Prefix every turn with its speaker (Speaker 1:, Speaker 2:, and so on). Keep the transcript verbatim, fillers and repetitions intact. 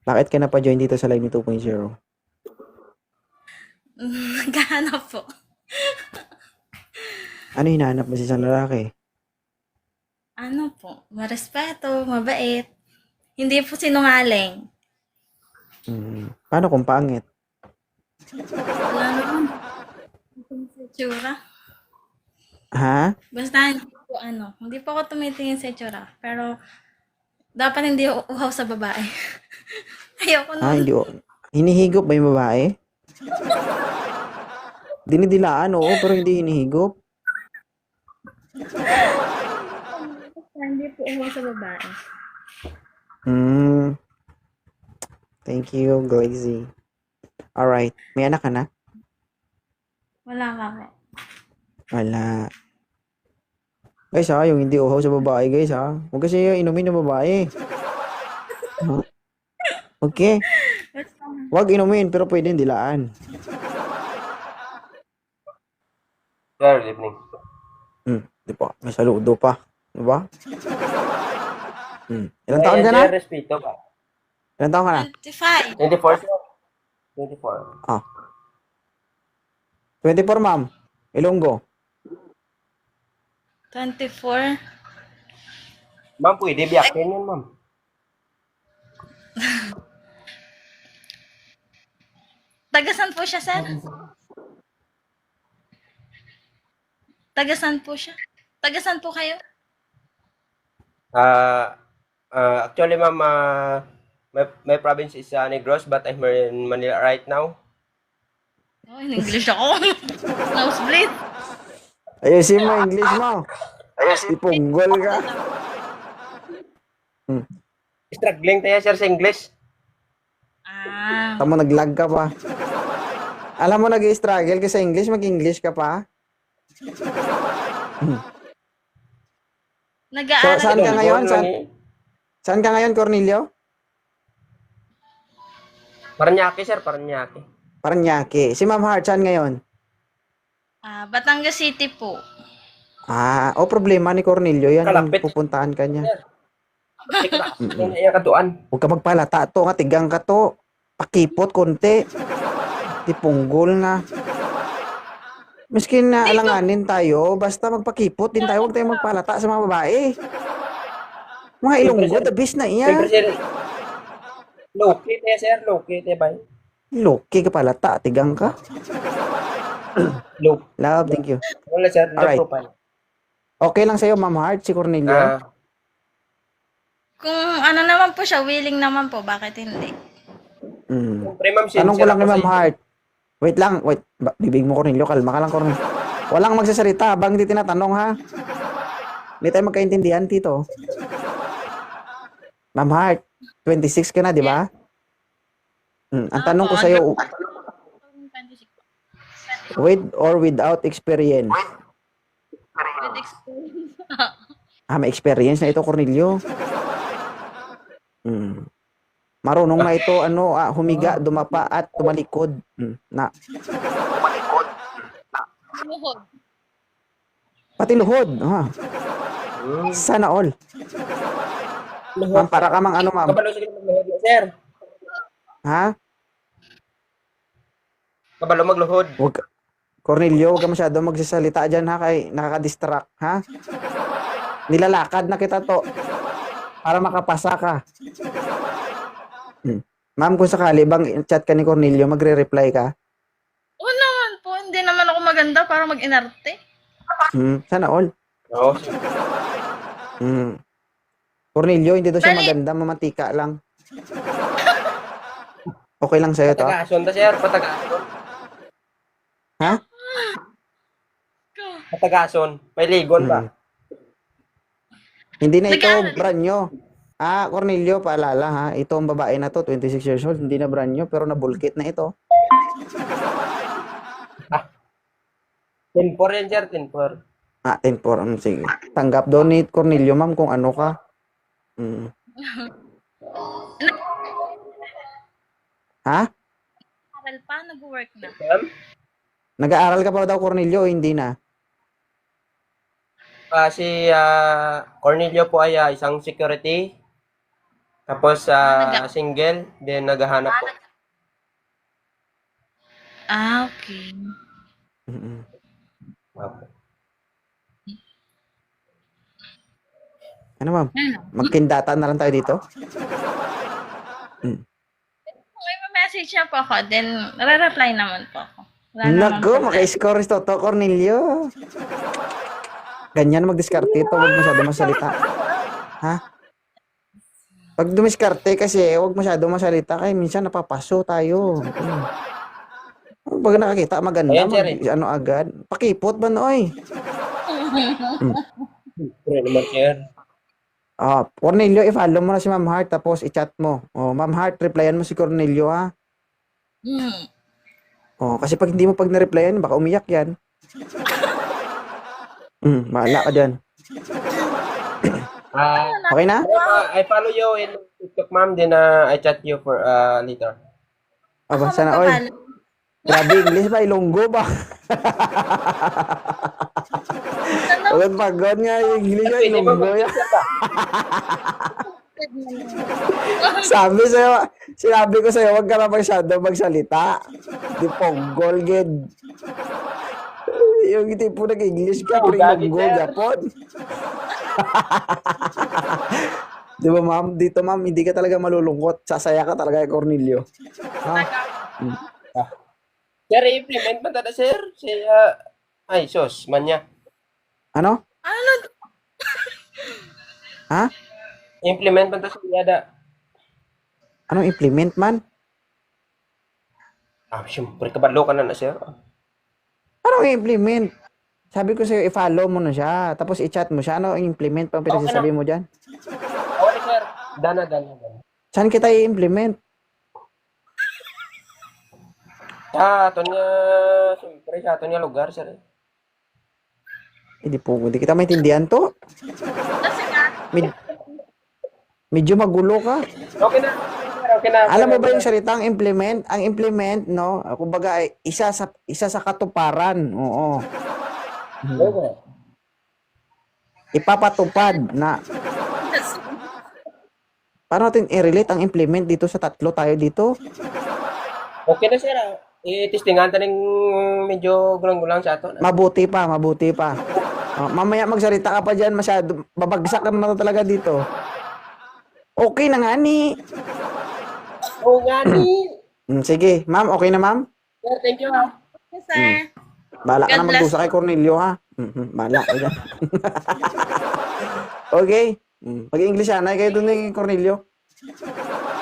Speaker 1: Bakit ka napa-join dito sa Live ni two point oh?
Speaker 2: Naghahanap po.
Speaker 1: Ano hinahanap mo sa isang lalaki?
Speaker 2: Ano po, marespeto, mabait. Hindi po sinungaling.
Speaker 1: Hmm, paano kung pangit?
Speaker 2: Wala naman. Tsura.
Speaker 1: Ha?
Speaker 2: Basta hindi po ano, hindi po ako tumitingin sa tsura. Pero dapat hindi u- uhaw sa babae. Ayoko
Speaker 1: Ah,
Speaker 2: nun.
Speaker 1: hindi o. Hinihigop ba yung babae? Dinidilaan, oo, pero hindi hinihigop.
Speaker 2: Basta hindi po uhaw sa babae.
Speaker 1: Hmm, thank you, Glazy. Alright, may anak ka na?
Speaker 2: Wala ka po.
Speaker 1: Wala. Guys ha, yung hindi uhaw sa babae guys ha. Huwag kasi yung inumin ng babae. Ha? Okay.
Speaker 2: Basta,
Speaker 1: Huwag inumin, pero pwede dilaan.
Speaker 3: Sir, good evening.
Speaker 1: Hmm, di pa. May saludo pa. Di ba? Hmm. Ilan taon
Speaker 3: Ayan,
Speaker 1: ka na?
Speaker 3: sir, respeto ka.
Speaker 1: Ilan taon ka na?
Speaker 2: twenty-five.
Speaker 3: twenty-four, sir. twenty-four.
Speaker 1: Ah. twenty-four, ma'am. Ilonggo.
Speaker 2: twenty-four.
Speaker 3: Ma'am, pwede biyakin yun, ma'am.
Speaker 2: Tagasan po siya, sir? Tagasan po siya? Tagasan po kayo?
Speaker 3: Ah, ah, actually, ma'am, ah, my, my province is uh, Negros, but I'm here in Manila right now.
Speaker 2: Oh, in English ako. Nosebleed.
Speaker 1: Ayusin mo English mo. Ipunggol ka. Hmm.
Speaker 3: Struggling tayo, sir, sa English.
Speaker 2: Ah.
Speaker 1: Tamo naglag ka pa. Alam mo nag-struggle ka sa English, mag-English ka pa. Hmm. So,
Speaker 2: Nag-aaral
Speaker 1: saan ka
Speaker 2: ka
Speaker 1: ngayon?
Speaker 3: Lunggon
Speaker 1: Saan,
Speaker 3: lang eh.
Speaker 1: saan ka ngayon, Cornelio?
Speaker 3: Paranaque, sir, Paranaque.
Speaker 1: Paranaque. Si Ma'am Heart, saan ngayon?
Speaker 2: Ah, Batangas City po.
Speaker 1: Ah, o problema ni Cornelio yan kung
Speaker 3: Kalapit.
Speaker 1: pupuntahan ka niya.
Speaker 3: Ika na, yun yung katuan.
Speaker 1: Huwag ka magpalata to, nga tigang ka to. Pakipot konti. Tipunggol na. Miskin na alanganin tayo, basta magpakipot din tayo, huwag tayong magpalata sa mga babae. Mga ilonggo, the best na
Speaker 3: Siyempre,
Speaker 1: iya.
Speaker 3: sir, low-key tayo, sir, low-key tayo ba?
Speaker 1: Loki ka palata, tigang ka.
Speaker 3: Low.
Speaker 1: Love, thank you.
Speaker 3: Wala, sir, low
Speaker 1: Alright.
Speaker 3: profile.
Speaker 1: Okay lang sa'yo, Ma'am Heart, si Cornelio?
Speaker 3: Ah,
Speaker 2: Kung ano naman po siya, willing naman po, bakit hindi?
Speaker 1: Mm.
Speaker 3: siyempre, ma'am,
Speaker 1: Tanong ko
Speaker 3: sincere
Speaker 1: lang kay
Speaker 3: ako sa
Speaker 1: Ma'am
Speaker 3: iyo.
Speaker 1: Heart. Wait lang, wait. Ba- Bibig mo, Cornelio, kalma ka lang, Cornelio. Walang magsasalita habang di tinatanong, ha? Hindi tayo magkaintindihan, Tito. Ma'am Heart, twenty-six ka na, di ba? Mm. Ang tanong ko sa'yo, with or without experience?
Speaker 2: With experience.
Speaker 1: Ah, may experience na ito, Cornelio. Mm. Marunong na ito, ano, ah, humiga, dumapa, at tumalikod. Mm. Na,
Speaker 2: Luhod.
Speaker 1: pati luhod. Ah,
Speaker 3: Hmm.
Speaker 1: sana all. Ma'am, para ka mang ano, ma'am.
Speaker 3: Kabalo sige magluhod, sir.
Speaker 1: Ha?
Speaker 3: Kabalo magluhod.
Speaker 1: Huwag ka- Cornelio, huwag ka masyado magsasalita dyan, ha? Kay nakaka-distract, ha? Nilalakad na kita to. Para makapasa ka. Hmm. Ma'am, kung sakali bang chat ka ni Cornelio, magre-reply ka?
Speaker 2: Oo naman po, hindi naman ako maganda para mag-inarte.
Speaker 1: Hmm, sana all.
Speaker 3: Oo.
Speaker 1: Hmm. Cornelio, hindi daw siya
Speaker 2: Bali-
Speaker 1: maganda, mamatika lang. Okay lang sa'yo to?
Speaker 3: Patagason ta, sir, patagason.
Speaker 1: Ha?
Speaker 3: Patagason. May ligon ba?
Speaker 1: Hmm. Hindi na ito
Speaker 2: Nag-aaral-
Speaker 1: brand nyo. Ah, Cornelio, paalala ha. Ito ang babae na to, twenty-six years old. Hindi na brand nyo, pero nabulkit na ito.
Speaker 3: ten four yan, sir, ten four.
Speaker 1: Ah, ten four. Um, sige. Tanggap daw ni Cornelio, ma'am, kung ano ka. Mm. Ha?
Speaker 2: Aral pa, nag-work na.
Speaker 3: Ma'am?
Speaker 1: Nag-aaral ka pa daw, Cornelio, o hindi na?
Speaker 3: Ah, si ah, Cornelio po ay ah, isang security Tapos sa single, then naghahanap po.
Speaker 2: Ah, okay.
Speaker 1: Mm-mm.
Speaker 3: Opo.
Speaker 1: Ano ma'am?
Speaker 2: Ano?
Speaker 1: Magkindata na lang tayo dito? Mm.
Speaker 2: Kung may message na po ako, then re-reply naman po ako. Wala namang
Speaker 1: Naku,
Speaker 2: problema.
Speaker 1: maka-score is toto, Cornelio. Ganyan mag-diskarte ito, huwag masyado masalita. Ha? Pag dumiskarte kasi, huwag masyado masalita kaya minsan napapaso tayo. Hmm. Pag nakakita, maganda,
Speaker 3: Ayan, sir,
Speaker 1: mag, ano agad. Pakipot ba nooy? Hmm.
Speaker 3: Siyempre naman, sir.
Speaker 1: Ah, Cornelio, i-follow mo na si Ma'am Heart tapos i-chat mo. Oh, Ma'am Heart, replyan mo si Cornelio ha.
Speaker 2: Hmm.
Speaker 1: Oh, kasi pag hindi mo pag na-replyan, baka umiyak yan. Hmm, bahala ka dyan.
Speaker 3: Ah,
Speaker 1: Okay na?
Speaker 3: uh, I follow you in TikTok, ma'am. Then uh, I chat you for uh, later.
Speaker 1: Aba,
Speaker 2: Ako
Speaker 1: sana, oy.
Speaker 2: magpapalo.
Speaker 1: Grabe, English ba? Ilonggo ba? Ulit pagod nga yung English ba?
Speaker 3: Pwede ba
Speaker 1: Ilonggo yan.
Speaker 3: mag-sir ba?
Speaker 1: Sabi sa'yo, sinabi ko sa'yo, huwag ka na masyado magsalita. Di ponggol, gid. Yung tipo nag-English ka, pero
Speaker 3: Gagi,
Speaker 1: ilonggo,
Speaker 3: sir.
Speaker 1: Japon. Di ba, ma'am? Dito, ma'am, hindi ka talaga malulungkot. Sasaya ka talaga kay Cornelio. Ha?
Speaker 3: Sir, i-implement man tada, sir. Si, uh, ay, sos, man niya.
Speaker 1: Ano?
Speaker 2: Ano?
Speaker 1: Ha?
Speaker 3: Implement man tada, sir. Yada.
Speaker 1: Anong implement, man?
Speaker 3: Ah, siyempre, kabalo ka na na, sir.
Speaker 1: Anong implement? Sabi ko sa'yo, i-follow mo na siya. Tapos i-chat mo siya. Ano ang implement pa ang pinagsasabi mo dyan?
Speaker 3: Okay, sir. Dana, dana, dana.
Speaker 1: Saan kita i-implement?
Speaker 3: Sa aton nga, siyempre, sa aton nga lugar, sir.
Speaker 1: Hindi po, hindi kita maintindihan to.
Speaker 2: Kasi nga,
Speaker 1: Med- medyo magulo ka.
Speaker 3: Okay na, sir. Okay na.
Speaker 1: Alam mo ba yung salitang implement? Ang implement, no? Kumbaga, ay isa sa isa sa katuparan. Oo.
Speaker 3: Okay.
Speaker 1: Ipapatupad na. Paano natin i-relate ang implement dito sa tatlo tayo dito?
Speaker 3: Okay na, sir. ah. I-testingan ta ng medyo gulang-gulang sa ato.
Speaker 1: Mabuti pa, mabuti pa. Oh, mamaya magsalita ka pa dyan, masyado, babagsak ka naman talaga dito. Okay na nga ni.
Speaker 3: Oo nga ni.
Speaker 1: Hmm, sige, ma'am, okay na ma'am?
Speaker 3: Sir, thank you, ha.
Speaker 2: yes, sir.
Speaker 1: Bahala ka
Speaker 2: God
Speaker 1: na
Speaker 2: bless.
Speaker 1: magdusa kay Cornelio, ha? Mm-hmm. Bahala ka dyan. Okay. Mm. Pag-English, anay kayo dun ni Cornelio.